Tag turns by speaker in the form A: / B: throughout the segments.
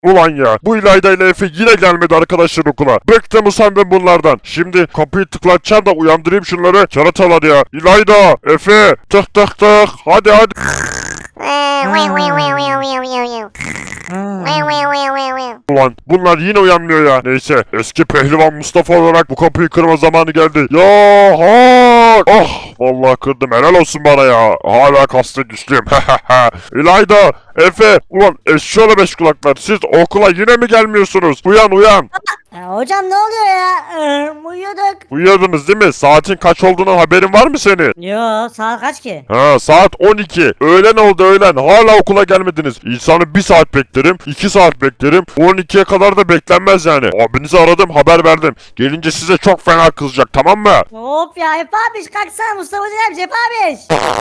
A: Ulan ya, bu İlayda ile Efe yine gelmedi arkadaşlar okula. Bıktım usandım bunlardan. Şimdi kapıyı tıklatacağım da uyandırayım şunları. Keratalar ya. İlayda, Efe, tık tık tık. Hadi hadi. Ulan bunlar yine uyanmıyor ya. Neyse, eski pehlivan Mustafa olarak bu kapıyı kırma zamanı geldi. Ya ha! Oh! Vallahi kırdım, helal olsun bana ya. Hala kaslı güçlüyüm. İlayda, Efe, ulan eşşoğlu beş kulaklar. Siz okula yine mi gelmiyorsunuz? Uyan uyan.
B: Hocam ne oluyor ya? Uyuyorduk.
A: Uyuyordunuz değil mi? Saatin kaç olduğunun haberin var mı senin?
B: Yo, saat kaç ki?
A: Ha, saat 12. Öğlen oldu öğlen. Hala okula gelmediniz. İnsanı 1 saat beklerim, 2 saat beklerim. 12'ye kadar da beklenmez yani. Abinizi aradım, haber verdim. Gelince size çok fena kızacak, tamam mı?
B: Hop ya Efe abiş, kalksana, Mustafa Hocam, Efe abiş.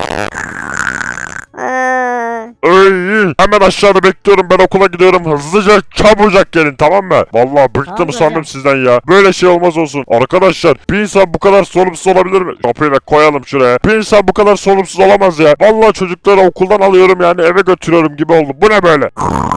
A: Ey, hemen aşağıda bekliyorum, ben okula gidiyorum. Hızlıca çabucak gelin, tamam mı? Vallahi bıktım
B: Tamam
A: usandım
B: hocam.
A: sizden ya. Böyle şey olmaz olsun. Arkadaşlar, bir insan bu kadar sorumsuz olabilir mi? Kapıyı da koyalım şuraya. Bir insan bu kadar sorumsuz olamaz ya. Vallahi çocukları okuldan alıyorum yani, eve götürüyorum gibi oldu. Bu ne böyle?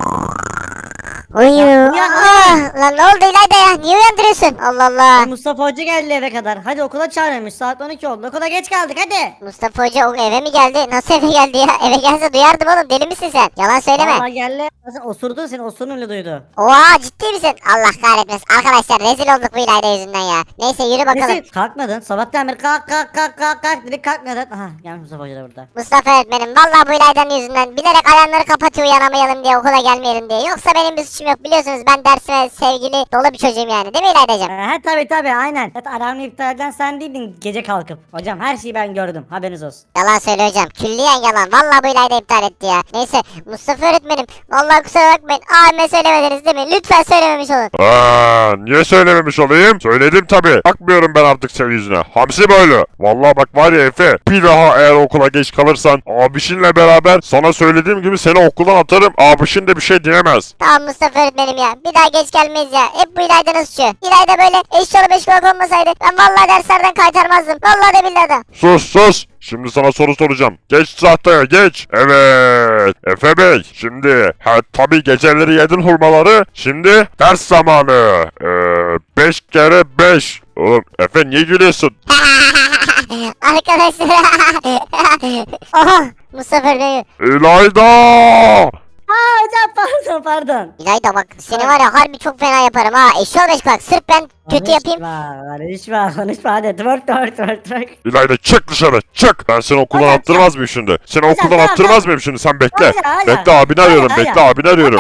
C: Uyu.
B: Ya,
C: Lan ne oldu İlayda ya? Niye uyandırıyorsun? Allah Allah.
B: Mustafa Hoca geldi eve kadar. Hadi okula çağırmış. Saat 12 oldu. Okula geç kaldık hadi.
C: Mustafa Hoca o eve mi geldi? Nasıl eve geldi ya? Eve gelse duyardım oğlum. Deli misin sen? Yalan söyleme.
B: Valla geldi. Nasıl osurdu, seni osurun duydu.
C: Oha, ciddi misin? Allah kahretmesin. Arkadaşlar rezil olduk bu İlayda yüzünden ya. Neyse yürü bakalım.
B: Neyse, kalkmadın. Sabahtan beri kalk kalk kalk kalk kalk dedik, kalkmadın. Aha, gelmiş Mustafa Hoca da burada.
C: Mustafa öğretmenim vallahi bu İlayda'nın yüzünden bilerek alarmları kapatıyor uyanamayalım diye, okula gelmeyelim diye. Yoksa benim bir suçum yok, biliyorsunuz ben dersime sevgili dolu bir çocuğum yani, değil mi İlayda'cığım?
B: He tabi aynen. Zaten alarmı iptal eden sen değildin gece kalkıp. Hocam her şeyi ben gördüm, haberiniz olsun.
C: Yalan söyle hocam. Külliyen yalan. Vallahi bu İlayda iptal etti ya. Neyse Mustafa öğretmenim. Vallahi kusura bakmayın. Abime söylemediniz değil mi? Lütfen söylememiş olun.
A: Niye söylememiş olayım? Söyledim tabi. Bakmıyorum ben artık senin yüzüne. Hamsi böyle. Vallahi bak var ya Efe. Bir daha eğer okula geç kalırsan abişinle beraber sana söylediğim gibi seni okuldan atarım. Abişin de bir şey diyemez.
C: Tamam Mustafa öğretmenim ya. Bir daha geç gelmeyiz ya. Hep bu İlayda'nın suçu. İlayda böyle eşyalı beş kulak olmasaydı ben vallahi derslerden kaytarmazdım. Vallahi de billahi de.
A: Sus sus. Şimdi sana soru soracağım. Geç tahtaya geç. Evet. Efe Bey. Şimdi tabi geceleri yedin hurmaları. Şimdi ders zamanı. 5 kere 5. Oğlum Efe niye gülüyorsun?
C: Arkadaşlar. Oha Mustafa öğretmenim.
A: İlayda!
B: Aa hocam, pardon.
C: İlayda bak seni var ya harbi çok fena yaparım ha. Eşyalı beş kulak. Sırf ben kötü yapayım.
B: Konuşma hadi. Twerk.
A: İlayda çık dışarı çık. Ben seni okuldan
B: Hadi,
A: attırmaz mıyım şimdi? Seni
B: Hadi,
A: okuldan
B: hadi,
A: attırmaz mıyım şimdi? Sen bekle.
B: Hadi.
A: Bekle abini arıyorum.
B: Hadi.
A: Bekle abini arıyorum.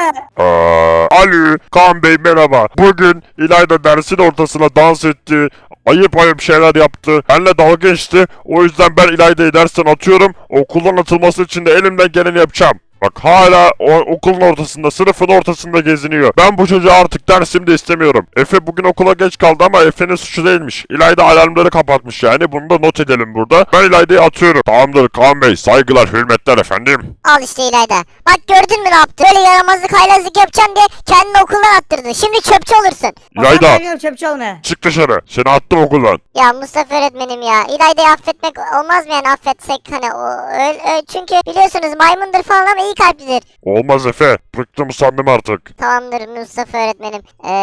A: Alo Kaan Bey merhaba. Bugün İlayda dersin ortasına dans etti. Ayıp şeyler yaptı. Benimle dalga geçti. O yüzden ben İlayda'yı dersten atıyorum. Okuldan atılması için de elimden geleni yapacağım. Bak hala okulun ortasında, sınıfın ortasında geziniyor. Ben bu çocuğu artık dersimde istemiyorum. Efe bugün okula geç kaldı ama Efe'nin suçu değilmiş. İlayda alarmları kapatmış yani. Bunu da not edelim burada. Ben İlayda'yı atıyorum. Tamamdır Kaan Bey. Saygılar, hürmetler efendim.
C: Al işte İlayda. Bak gördün mü ne yaptı? Böyle yaramazlık haylazlık yapacağım diye kendini okuldan attırdı. Şimdi çöpçü olursun.
A: İlayda
B: Çöpçü olma.
A: çık dışarı. Seni attım okuldan.
C: Ya Mustafa öğretmenim ya. İlayda'yı affetmek olmaz mı yani, affetsek hani çünkü biliyorsunuz maymundur falan ama iyi kalplidir.
A: Olmaz Efe. Bıktım usandım artık.
C: Tamamdır Mustafa öğretmenim.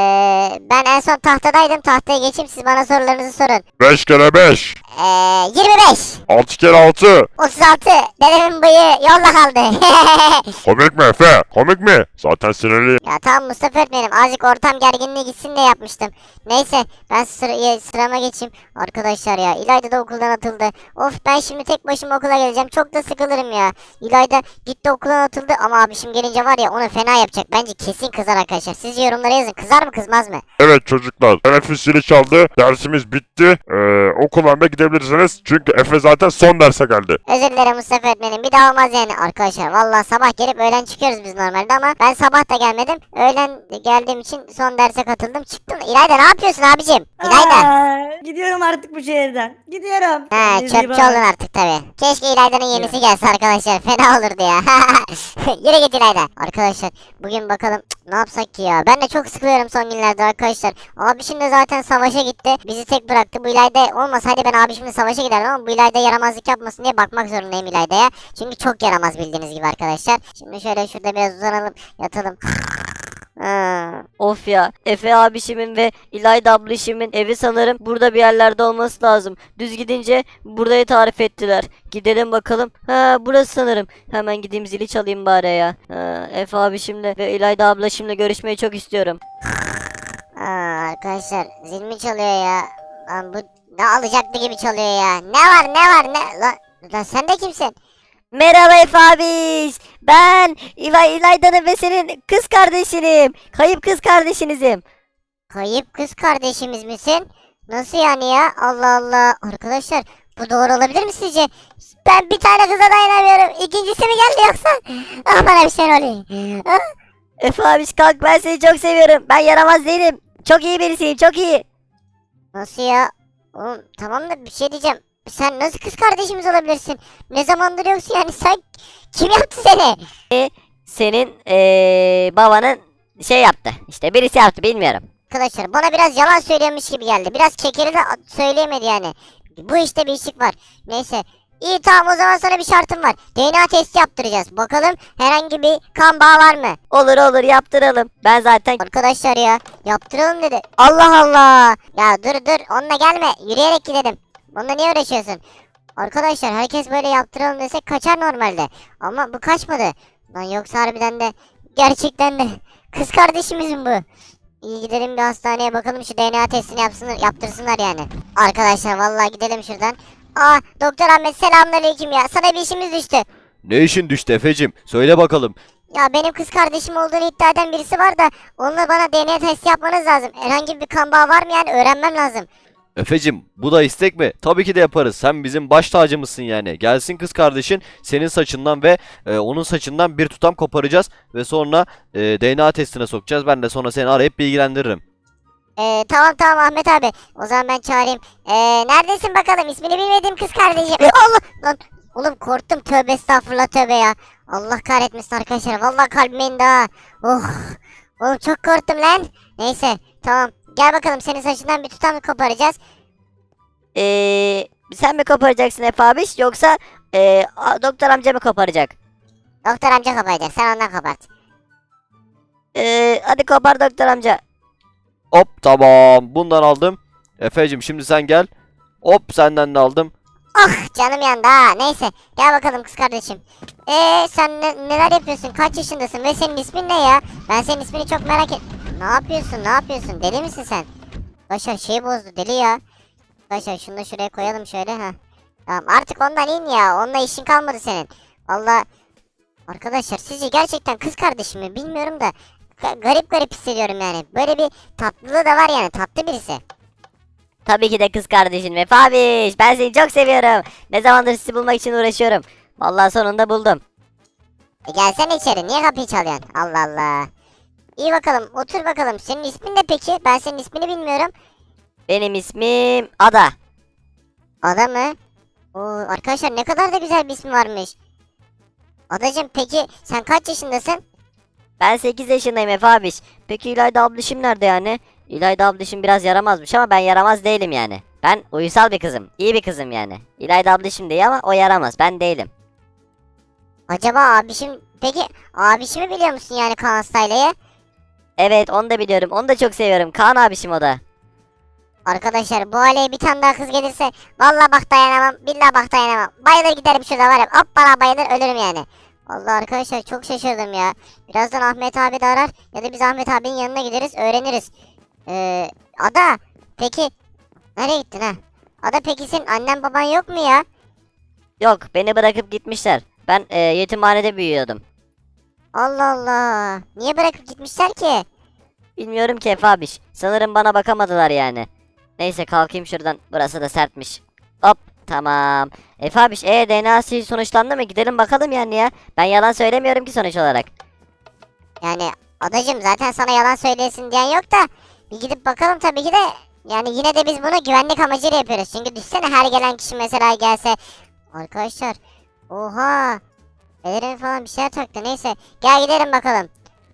C: Ben en son tahtadaydım. Tahtaya geçeyim, siz bana sorularınızı sorun.
A: 5 kere 5.
C: 25.
A: 6 kere 6.
C: 36. Dedemin bıyığı yolda kaldı.
A: Komik mi Efe? Komik mi? Zaten sinirliyim.
C: Ya tamam Mustafa öğretmenim, azıcık ortam gerginliği gitsin diye yapmıştım. Neyse ben sırama geçeyim. Arkadaşlar ya İlayda da okuldan atıldı. Of, ben şimdi tek başıma okula geleceğim. Çok da sıkılırım ya. İlayda gitti okuldan atıldı ama abişim gelince var ya onu fena yapacak. Bence kesin kızar arkadaşlar. Siz yorumlara yazın. Kızar mı kızmaz mı?
A: Evet çocuklar. Teneffüs zili çaldı. Dersimiz bitti. Okuldan da gidebilirsiniz. Çünkü Efe zaten son derse geldi.
C: Özür dilerim Mustafa öğretmenim. Bir daha olmaz yani arkadaşlar. Vallahi sabah gelip öğlen çıkıyoruz biz normalde ama ben sabah da gelmedim. Öğlen geldiğim için son derse katıldım. Çıktım. İlayda ne yapıyorsun abicim? İlayda.
B: Gidiyorum artık bu şehirden. Gidiyorum.
C: He,
B: Kendinize iyi
C: çöpçü
B: bakın.
C: oldun artık tabi. Keşke İlayda'nın yenisi gelse arkadaşlar. Fena olurdu ya. Yürü git İlayda. Arkadaşlar bugün bakalım ne yapsak ki ya. Ben de çok sıkılıyorum son günlerde arkadaşlar. Abişim de zaten savaşa gitti. Bizi tek bıraktı. Bu İlayda olmasaydı ben abişimle savaşa giderdim ama bu İlayda yaramazlık yapmasın diye bakmak zorundayım İlayda'ya. Çünkü çok yaramaz bildiğiniz gibi arkadaşlar. Şimdi şöyle şurada biraz uzanalım, yatalım.
D: Of ya, Efe abişimin ve İlayda ablişimin evi sanırım burada bir yerlerde olması lazım. Düz gidince burayı tarif ettiler. Gidelim bakalım. Ha, burası sanırım. Hemen gideyim, zili çalayım bari ya. Efe abişimle ve İlayda ablaşımla görüşmeyi çok istiyorum.
C: Arkadaşlar zil mi çalıyor ya? Lan bu ne alacaktı gibi çalıyor ya. Ne var ne? Lan sen de kimsin?
D: Merhaba Efe abiş. Ben İlayda'nın ve senin kız kardeşinim. Kayıp kız kardeşinizim.
C: Kayıp kız kardeşimiz misin? Nasıl yani ya? Allah Allah. Arkadaşlar bu doğru olabilir mi sizce? Ben bir tane kıza dayanamıyorum. İkincisi mi geldi yoksa? Ah, bana bir şey oluyor. Ah.
D: Efe abiş kalk, ben seni çok seviyorum. Ben yaramaz değilim. Çok iyi birisiyim, çok iyi.
C: Nasıl ya? Oğlum tamam da bir şey diyeceğim. Sen nasıl kız kardeşimiz olabilirsin? Ne zamandır yoksun yani, sen kim yaptı seni?
D: Senin babanın şey yaptı. İşte birisi yaptı, bilmiyorum.
C: Arkadaşlar bana biraz yalan söylüyormuş gibi geldi. Biraz kekeri de söyleyemedi yani. Bu işte bir işlik var. Neyse. İyi tamam, o zaman sana bir şartım var. DNA testi yaptıracağız. Bakalım herhangi bir kan bağı var mı?
D: Olur olur, yaptıralım. Ben zaten
C: Arkadaşlar ya yaptıralım dedi. Allah Allah. Ya dur onunla gelme. Yürüyerek gidelim. Onunla niye uğraşıyorsun? Arkadaşlar herkes böyle yaptıralım desek kaçar normalde. Ama bu kaçmadı. Lan yoksa harbiden de gerçekten de kız kardeşimiz mi bu? İyi gidelim bir hastaneye bakalım, şu DNA testini yaptırsınlar yani. Arkadaşlar vallahi gidelim şuradan. Doktor Ahmet, selamünaleyküm ya. Sana bir işimiz düştü.
E: Ne işin düştü Efecim? Söyle bakalım.
C: Ya benim kız kardeşim olduğunu iddia eden birisi var da onunla bana DNA testi yapmanız lazım. Herhangi bir kan bağı var mı yani, öğrenmem lazım.
E: Efecim, bu da istek mi? Tabii ki de yaparız. Sen bizim baş tacımızsın yani. Gelsin kız kardeşin, senin saçından ve onun saçından bir tutam koparacağız ve sonra DNA testine sokacağız. Ben de sonra seni arayıp bilgilendiririm.
C: Tamam Ahmet abi. O zaman ben çağırayım. Neredesin bakalım, ismini bilmediğim kız kardeşim. Allah lan. Oğlum korktum, tövbe estağfurullah, tövbe ya. Allah kahretmesin arkadaşlar. Vallahi kalbim indi ha. Oh. Oğlum çok korktum lan. Neyse tamam. Gel bakalım, senin saçından bir tutam koparacağız.
D: sen mi koparacaksın Efe abiş, yoksa doktor amca mı koparacak?
C: Doktor amca koparacak. Sen ondan kopart.
D: Hadi kopar doktor amca.
E: Hop, tamam. Bundan aldım. Efecim, şimdi sen gel. Hop, senden de aldım.
C: Ah canım yandı ha. Neyse gel bakalım kız kardeşim. Sen neler yapıyorsun? Kaç yaşındasın ve senin ismin ne ya? Ben senin ismini çok merak et. Ne yapıyorsun? Deli misin sen? Başa şey bozdu deli ya. Başa şunu da şuraya koyalım şöyle ha. Tamam artık ondan in ya. Onunla işin kalmadı senin. Valla arkadaşlar sizce gerçekten kız kardeşim mi bilmiyorum da garip hissediyorum yani. Böyle bir tatlılığı da var yani, tatlı birisi.
D: Tabii ki de kız kardeşin Efe abiş. Ben seni çok seviyorum. Ne zamandır sizi bulmak için uğraşıyorum. Vallahi sonunda buldum.
C: Gelsene içeri, niye kapıyı çalıyorsun? Allah Allah. İyi bakalım, otur bakalım. Senin ismin ne peki? Ben senin ismini bilmiyorum.
D: Benim ismim Ada.
C: Ada mı? Oo, arkadaşlar ne kadar da güzel bir ismi varmış. Adacım peki sen kaç yaşındasın?
D: Ben 8 yaşındayım Efe abiş. Peki İlayda ablişim nerede yani? İlayda ablişim biraz yaramazmış ama ben yaramaz değilim yani. Ben uysal bir kızım. İyi bir kızım yani. İlayda ablişim de iyi ama o yaramaz. Ben değilim.
C: Acaba abişim, peki abişimi biliyor musun yani, Kaan Style'ı?
D: Evet, onu da biliyorum. Onu da çok seviyorum. Kaan abişim o da.
C: Arkadaşlar bu aileye bir tane daha kız gelirse vallahi bak dayanamam, billahi bak dayanamam. Bayılır giderim şurada var ya, hoppala bayılır ölürüm yani. Vallahi arkadaşlar çok şaşırdım ya. Birazdan Ahmet abi de arar ya da biz Ahmet abinin yanına gideriz, öğreniriz. Ada peki nereye gittin ha? Ada peki senin annen baban yok mu ya?
D: Yok, beni bırakıp gitmişler. Ben yetimhanede büyüyordum.
C: Allah Allah. Niye bırakıp gitmişler ki?
D: Bilmiyorum ki Efe abiş. Sanırım bana bakamadılar yani. Neyse kalkayım şuradan. Burası da sertmiş. Hop, tamam. Efe abiş, DNA'sı sonuçlandı mı? Gidelim bakalım yani ya. Ben yalan söylemiyorum ki sonuç olarak.
C: Yani adacım zaten sana yalan söylesin diyen yok da bir gidip bakalım tabii ki de. Yani yine de biz bunu güvenlik amacıyla yapıyoruz. Çünkü düşsene her gelen kişi mesela gelse. Arkadaşlar. Oha. Ellerine falan bir şeyler taktı. Neyse. Gel gidelim bakalım.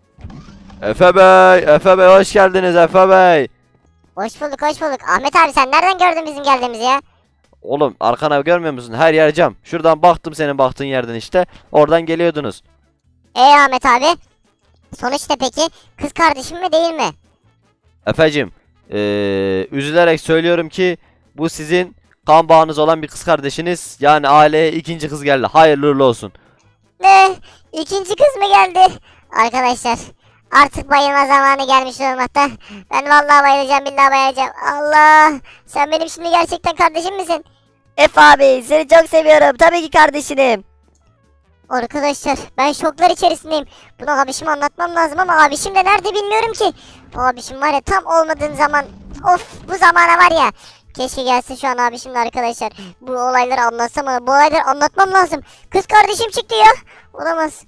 E: Efe Bey hoş geldiniz Efe Bey.
C: Hoş bulduk hoş bulduk. Ahmet abi sen nereden gördün bizim geldiğimizi ya?
E: Oğlum, arkana görmüyor musun? Her yer cam. Şuradan baktım, senin baktığın yerden işte. Oradan geliyordunuz.
C: Ahmet abi. Sonuçta peki kız kardeşim mi değil mi?
E: Efecim, üzülerek söylüyorum ki bu sizin kan bağınız olan bir kız kardeşiniz. Yani aileye ikinci kız geldi. Hayırlı uğurlu olsun.
C: Ne? İkinci kız mı geldi? Arkadaşlar artık bayılma zamanı gelmiş olmakta. Ben vallahi bayılacağım, billahi bayılacağım. Allah! Sen benim şimdi gerçekten kardeşim misin?
D: Efe abi seni çok seviyorum. Tabii ki kardeşinim.
C: Arkadaşlar ben şoklar içerisindeyim. Bunu abişime anlatmam lazım ama abişim de nerede bilmiyorum ki. Bu abişim var ya tam olmadığım zaman. Of, bu zamana var ya. Keşke gelse şu an abişim de arkadaşlar. Bu olayları anlatsam ama bu olayları anlatmam lazım. Kız kardeşim çıktı ya. Olamaz.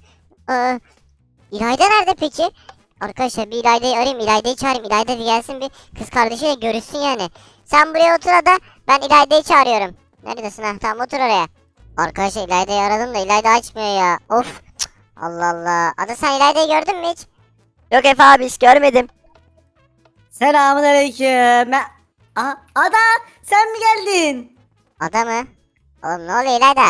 C: İlayda nerede peki? Arkadaşlar bir İlayda'yı arayayım. İlayda'yı çağırayım. İlayda bir gelsin, bir kız kardeşiyle görüşsün yani. Sen buraya otur Ada. Ben İlayda'yı çağırıyorum. Neredesin ha? Tamam otur oraya. Arkadaşlar İlayda'yı aradım da İlayda açmıyor ya. Of. Cık. Allah Allah. Ada sen İlayda'yı gördün mü hiç?
D: Yok Efe abi hiç görmedim.
B: Selamünaleyküm. Aha, Ada sen mi geldin?
C: Ada mı? Oğlum ne oluyor İlayda?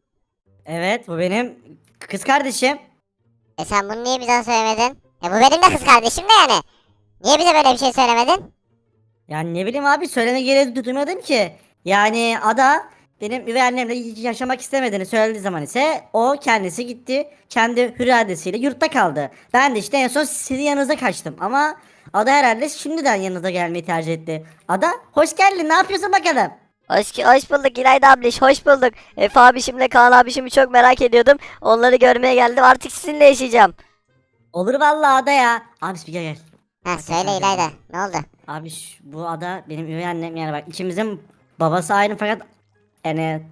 B: Evet, bu benim kız kardeşim.
C: Sen bunu niye bize söylemedin? Bu benim de kız kardeşim de yani. Niye bize böyle bir şey söylemedin?
B: Yani ne bileyim abi, söyleme gereği duymadım ki. Yani Ada benim üvey annemle yaşamak istemediğini söylediği zaman ise o kendisi gitti. Kendi hür iradesiyle yurtta kaldı. Ben de işte en son sizin yanınıza kaçtım. Ama Ada herhalde şimdiden yanınıza gelmeyi tercih etti. Ada hoş geldin, ne yapıyorsun bakalım?
D: Hoş bulduk İlayda abliş, hoş bulduk. Efe abişimle Kaan abişimi çok merak ediyordum. Onları görmeye geldim. Artık sizinle yaşayacağım.
B: Olur vallahi Ada ya. Abi bir gel.
C: Ha söyle İlayda. Ne oldu?
B: Abi bu Ada benim üvey annem, yani bak ikimizin babası aynı fakat yani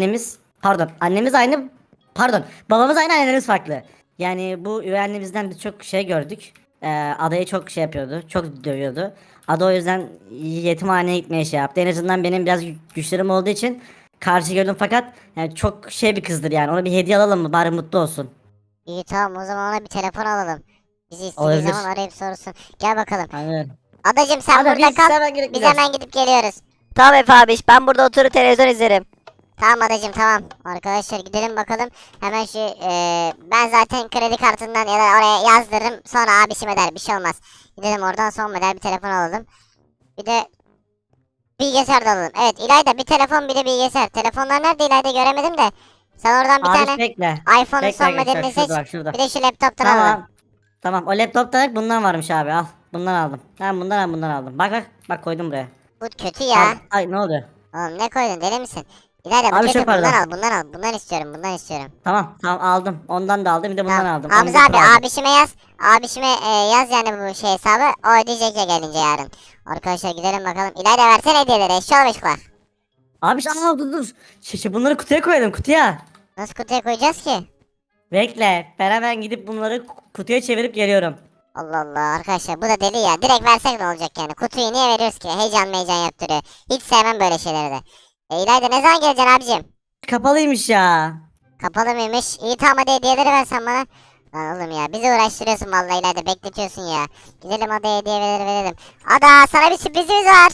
B: annemiz aynı, babamız aynı, annemiz farklı. Yani bu üvey annemizden biz çok şey gördük. Ada'yı çok şey yapıyordu, çok dövüyordu. Ada o yüzden yetimhaneye gitmeye şey yaptı. En azından benim biraz güçlerim olduğu için karşı gördüm fakat yani çok şey bir kızdır yani. Ona bir hediye alalım mı, bari mutlu olsun.
C: İyi tamam, o zaman ona bir telefon alalım. Bizi istediği
B: Olabilir.
C: zaman arayıp sorsun. Gel bakalım.
B: Aynen.
C: Adacım sen
B: Ada,
C: burada
B: biz
C: kal.
B: hemen gidip
C: Biz
B: gidiyoruz.
C: hemen gidip geliyoruz.
D: Tamam Efe abiş, ben burada oturup televizyon izlerim.
C: Tamam adacım tamam. Arkadaşlar gidelim bakalım. Hemen şu ben zaten kredi kartından ya da oraya yazdırırım. Sonra abişim eder, bir şey olmaz. Gidelim oradan son model bir telefon alalım. Bir de bilgisayar da alalım. Evet İlayda, bir telefon bir de bilgisayar. Telefonlar nerede İlayda, göremedim de. Sen oradan bir
B: Abi
C: tane
B: bekle.
C: iPhone'un
B: Bekle
C: son
B: arkadaşlar,
C: modelini seç.
B: şurada bak, şurada.
C: Bir de şu laptoptan alalım.
B: Tamam. Tamam, o laptopta bundan varmış abi, al. Bundan aldım. Ben bundan aldım. Bak koydum buraya.
C: Bu kötü
B: Al.
C: ya.
B: Ay ne oldu?
C: Oğlum ne koydun, deli misin? İlayda bu
B: Abi
C: kötü,
B: çok pardon.
C: bundan al. Bundan istiyorum, bundan istiyorum.
B: Tamam aldım. Ondan da aldım, bir de bundan
C: Tamam.
B: aldım.
C: Hamza
B: Onu
C: abi
B: bir aldım.
C: abişime yaz. Abişime yaz yani bu şey hesabı. O ödeyecek ya gelince yarın. Arkadaşlar gidelim bakalım. İlayda versene hediyeleri. Eşya beşikler.
B: Abi dur. Bunları kutuya koyalım, kutuya.
C: Nasıl kutuya koyacağız ki?
B: Bekle. Ben hemen gidip bunları kutuya çevirip geliyorum.
C: Allah Allah arkadaşlar, bu da deli ya. Direkt versek ne olacak yani? Kutuyu niye veriyoruz ki? Heyecan yaptırıyor. Hiç sevmem böyle şeyleri de. İlayda ne zaman geleceksin abicim?
B: Kapalıymış ya.
C: Kapalı mıymış? İyi tamam, hadi hediyeleri versen bana. Lan oğlum ya, bizi uğraştırıyorsun vallahi İlayda, bekletiyorsun ya. Gidelim hadi hediyeleri verelim. Ada sana bir sürprizimiz var.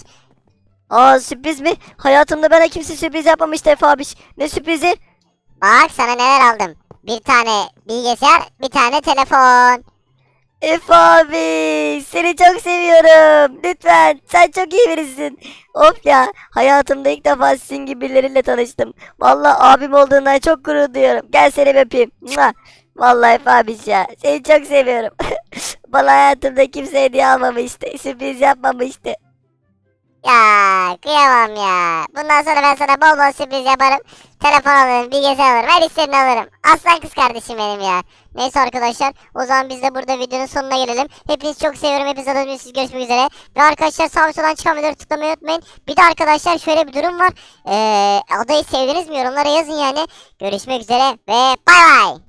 D: Aa, sürpriz mi? Hayatımda bana kimse sürpriz yapmamıştı Efe abiş. Ne sürprizi?
C: Bak sana neler aldım. Bir tane bilgisayar, bir tane telefon.
D: Efe abi seni çok seviyorum. Lütfen, sen çok iyi birisin. Of ya, hayatımda ilk defa sizin gibi birileriyle tanıştım. Vallahi abim olduğundan çok gurur duyuyorum. Gel seni bir öpeyim. Mua! Vallahi Efe abiş ya, seni çok seviyorum. Bana hayatımda kimse hediye almamıştı. Sürpriz yapmamıştı.
C: Ya kıyamam ya. Bundan sonra ben sana bol bol sürpriz yaparım. Telefon alırım, bilgisayar alırım, her istediğini alırım. Aslan kız kardeşim benim ya. Neyse arkadaşlar, o zaman biz de burada videonun sonuna gelelim. Hepinizi çok seviyorum. Hepiniz adınız, görüşmek üzere. Ve arkadaşlar sağ ve soldan çıkan videoları tıklamayı unutmayın. Bir de arkadaşlar şöyle bir durum var. Adayı sevdiniz mi? Yorumlara yazın yani. Görüşmek üzere ve bay bay.